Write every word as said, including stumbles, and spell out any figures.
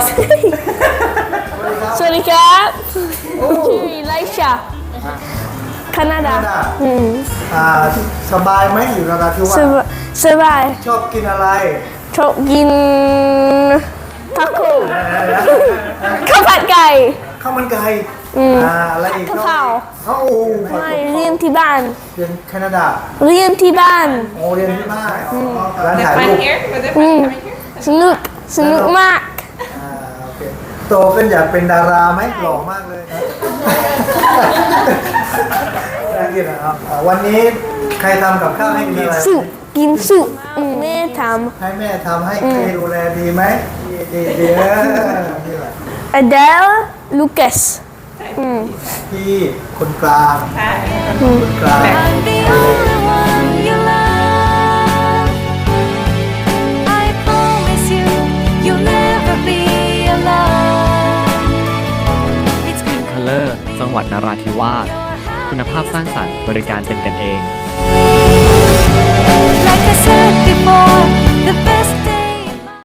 สวัสดีครับชื่อไลชาแคนาดาอืมอ่าสบายไหมอยู่นราธิวาสสบายสบายชอบกินอะไรชอบกินทาโก้ข้าวผัดไก่ข้าวมันไก่อืมอ่าอะไรอีกกะเพราเอ้าโอ้โหไม่เรียนที่บ้านเรียนแคนาดาเรียนที่บ้านโอ้เรียนที่บ้านอ๋อร้านถ่าย Fun รูป here? Was it อื fun ม coming here? สนุกสนุกมากอ่าโอเคโตขึ้นอยากเป็นดาราไหมหล่อมากเลยนะน่ากินนะครับอ่าวันนี้ใครทำกับข้าวให้กินอะไรสุกินสุอืมแม่ทให้แม่ทำให้ใครดูแลดีไหมดีดีดีเออนี่แหละำ Adele Lucas อืมพี่คนกลาง Hi. คนกลาง I'm the only one you love. I promise you, you'll never be alone. It's good. Color จังหวัดนราธิวาสคุณภาพสร้างสรรค์บริการเป็นกันเอง Like I said before, the best